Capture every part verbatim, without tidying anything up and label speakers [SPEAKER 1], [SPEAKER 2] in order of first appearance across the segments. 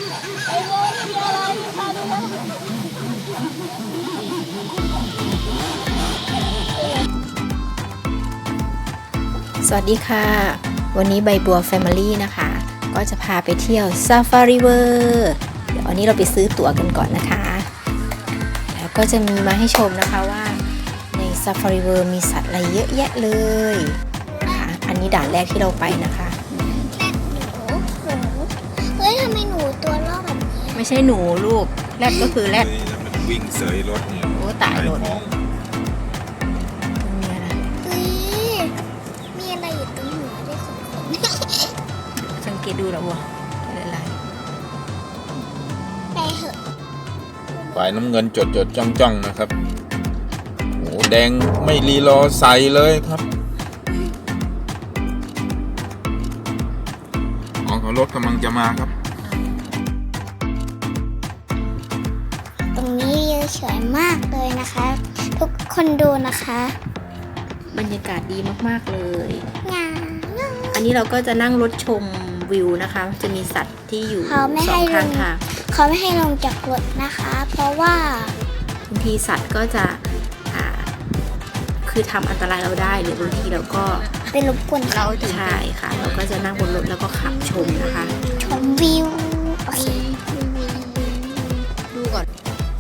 [SPEAKER 1] ไอ้โว้ยมีอะไรพาดูแล้วสวัสดีค่ะวันนี้ใบบัวแฟมิลี่นะคะก็จะพาไปเที่ยวซาฟารีเวอร์เดี๋ยววันนี้เราไปซื้อตั๋วกันก่อนนะคะแล้วก็จะมีมาให้ชมนะคะว่าในซาฟารีเวอร์มีสัตว์อะไรเยอะแยะเลยนะคะอันนี้ด่านแรกที่เราไปนะคะ
[SPEAKER 2] แรดหนูหนูเฮ้ยทำไมหนูตัวรอบแบบนี้
[SPEAKER 1] ไม่ใช่หนูลูกแรดก็คือแรด
[SPEAKER 3] มันวิ่งเสยรถเนี่ย
[SPEAKER 1] โอ้ตายรถสังเกตดูแล้ววัวอะไร
[SPEAKER 2] ไปเหอะ
[SPEAKER 3] ฝ่ายน้ำเงินจดจดจ้องจ้องนะครับโอ้แดงไม่รีรอใส่เลยครับอ๋อเขารถกำลังจะมาครับ
[SPEAKER 2] ตรงนี้วิวสวยมากเลยนะคะทุกคนดูนะคะ
[SPEAKER 1] บรรยากาศดีมากๆเลย
[SPEAKER 2] งา
[SPEAKER 1] อันนี้เราก็จะนั่งรถชมวิวนะคะจะมีสัตว์ที่อยู่สองข้างทาง
[SPEAKER 2] เขาไม่ให้ลงจากรถนะคะเพราะว่า
[SPEAKER 1] บางทีสัตว์ก็จะคือทำอันตรายเราได้หรือบางทีเราก็
[SPEAKER 2] เป็นรบกวน
[SPEAKER 1] เราใช่ค่ะเราก็จะนั่งบนรถแล้วก็ขับชมนะคะ
[SPEAKER 2] ชมวิวโอเค
[SPEAKER 1] ดูก่อน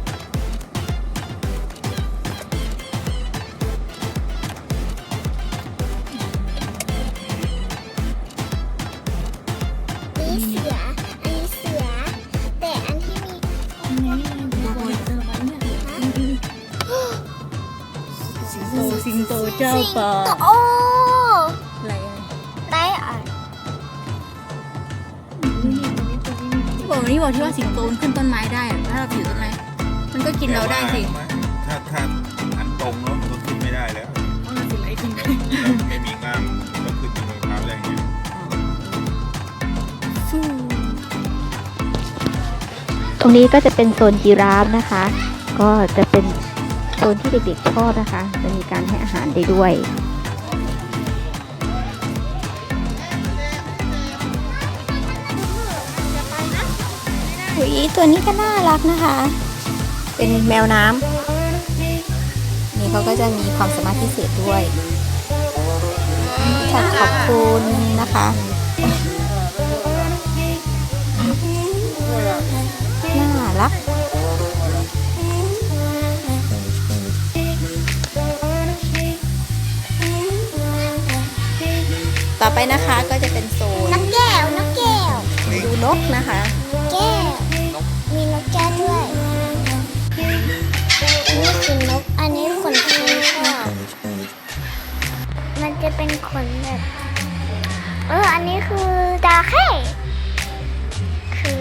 [SPEAKER 1] สิงโตเจ้าป่า
[SPEAKER 2] โอ้
[SPEAKER 1] อะไร
[SPEAKER 2] ได้อ่ะ
[SPEAKER 1] บอกนี่บอกที่ว่าสิงโตมันขึ้นต้นไม้ได้ถ้าเราอยู่ต้นไม้มันก็กินเราได้สิ
[SPEAKER 3] ถ้าถ้าอันตรงแล้วมันก็ขึ้นไม่ได้แล้ว
[SPEAKER 1] มันสิไรขึ้น
[SPEAKER 3] ไม่มีงามก็ขึ้นที่มือเท้าได้ไง
[SPEAKER 4] ตรงนี้ก็จะเป็นโซนยีราฟนะคะก็จะเป็นโซนที่เด็กๆชอบนะคะจะมีการให้อาหารได้ด้วย
[SPEAKER 1] หุยตัวนี้ก็น่ารักนะคะเป็นแมวน้ำนี่เขาก็จะมีความสามารถพิเศษด้วยขอบคุณนะคะน่ารักต่อไปนะคะก็จะเป็นโซน
[SPEAKER 2] นกแก้วนกแก้ว
[SPEAKER 1] ดูนกนะคะ
[SPEAKER 2] แก้วมีนกแก้วด้วยนี่คือนกอันนี้ขนที่ชอบมันจะเป็นขนแบบเอออันนี้คือจระเข้คือ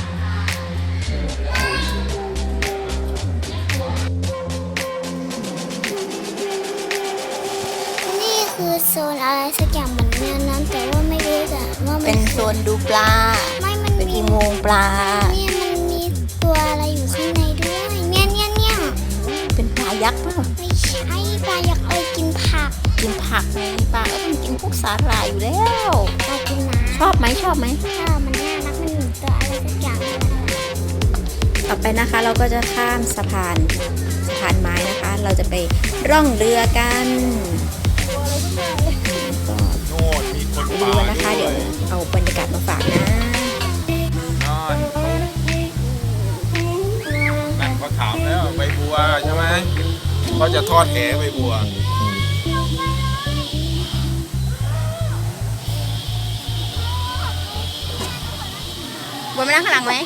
[SPEAKER 2] นี่คือโซนอะไรสักอย่างเหมือนแนวนั้นแต่ว่าไม่รู้อะว่า
[SPEAKER 1] เป็นโซนดูปลา
[SPEAKER 2] ไม่มัน
[SPEAKER 1] เป็นอุโมงค์ปลา
[SPEAKER 2] เนี่ยมันมีตัวอะไรอยู่ข้างในด้วยเนี่ยเนี่ยเนี่ย
[SPEAKER 1] เป็นปลายักษ์ป่ะ
[SPEAKER 2] ไม่ใช่ปลายักษ์เลยกินผัก
[SPEAKER 1] กินผักไงปลาก็ต้องกินพวกสาหร่ายอยู่แล้ว
[SPEAKER 2] ปลากินน้ำ
[SPEAKER 1] ชอบไหมชอบไหม
[SPEAKER 2] ชอบมันน่ารักมันเหมือนตัวอะไรสักอย่าง
[SPEAKER 1] ต่อไปนะคะเราก็จะข้ามสะพานสะพานไม้นะคะเราจะไปร่องเรือกันก็ไปดูนะคะเดี๋ยวเอาบรรยากาศมาฝากนะ
[SPEAKER 3] นั่นเขาถามแล้วใบบัวใช่ไหมเขาจะทอดแหใบบัว
[SPEAKER 1] บัวไม่นั่งข้างหลังไหม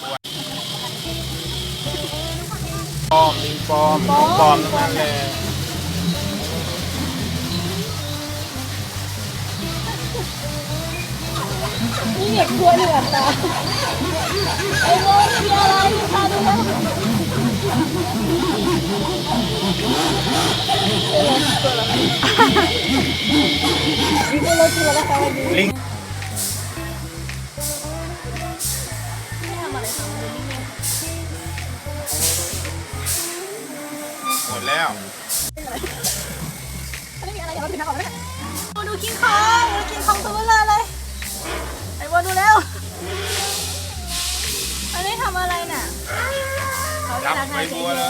[SPEAKER 3] ปอมลิงปอมปอมนั่นแหละ
[SPEAKER 1] นี่เด็กกลัวเหนือตาไอ้โว้ยมีอะไรพาดูแล้วนี่ก็รถที่เราได้ค่ะวันนี้ลิง
[SPEAKER 3] หมดแล้ว
[SPEAKER 1] ไม่มีอะไรอย่ามาผิดนะขอไม่ได้ดูกินคองดูกินคองตัวเบลอเลยไอ้บัวดูแล้วได้ทำอะไรน่ะ
[SPEAKER 3] จับใบบัวเลย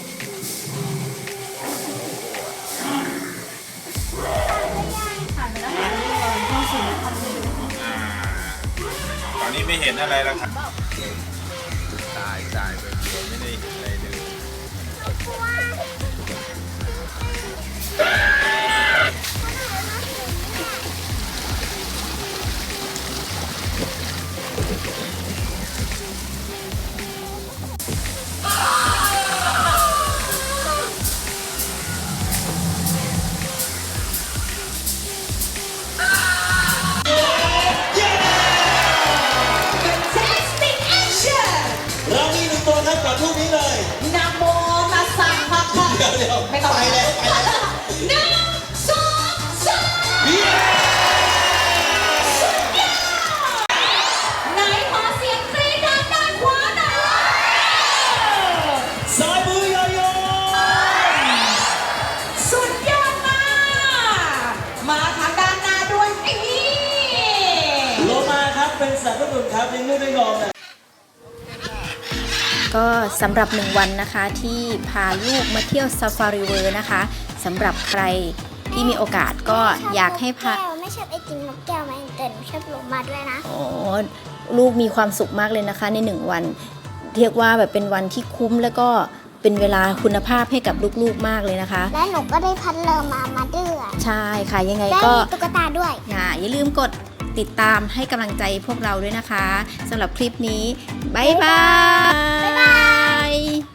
[SPEAKER 3] ตอนนี้ไม่เห็นอะไรแล้วครับตายตายไปเดียวไม่ได้เห็นอะไรเลย
[SPEAKER 5] เรามีหนึ่งตัวครับกับรูปนี้เลย
[SPEAKER 6] นะโมตัสสะภะคะ
[SPEAKER 5] เดี๋ยวเดี๋ยว
[SPEAKER 6] ไม่ต้อง
[SPEAKER 5] ไปแล้วไปแล้ว
[SPEAKER 6] หนึ่งสองสาม
[SPEAKER 5] เย้
[SPEAKER 6] ไหนขอเสียงกรี๊ดด้านด้านขวาหน่อย
[SPEAKER 5] สายมือโยโย่
[SPEAKER 6] สุดยอดมาก มาทางด้านหน้าด้วยนี่
[SPEAKER 5] โลมาครับเป็นสัตว์ประหลาดครับเลี้ยงลูกด้วยนมนะ
[SPEAKER 1] ก็สำหรับหนึ่งวันนะคะที่พาลูกมาเที่ยวซาฟารีเวิร์นะคะสำหรับใครที่มีโอกาสก็อยากให้พา
[SPEAKER 2] ไม่ชอบไอติมนกแก้วไหมแต่หนูชอบโลมาด้วยนะ
[SPEAKER 1] อ๋อลูกมีความสุขมากเลยนะคะในหนึ่งวันเรียกว่าแบบเป็นวันที่คุ้มแล้วก็เป็นเวลาคุณภาพให้กับลูกๆมากเลยนะคะ
[SPEAKER 2] และหนูก็ได้พัดเรือมามาด้วย
[SPEAKER 1] ใช่ค่ะยังไง
[SPEAKER 2] ได้
[SPEAKER 1] ก็
[SPEAKER 2] ตุ๊กตาด้วย
[SPEAKER 1] อย่าอย่าลืมกดติดตามให้กำลังใจพวกเราด้วยนะคะสำหรับคลิปนี้ บ๊ายบาย
[SPEAKER 2] บ๊ายบาย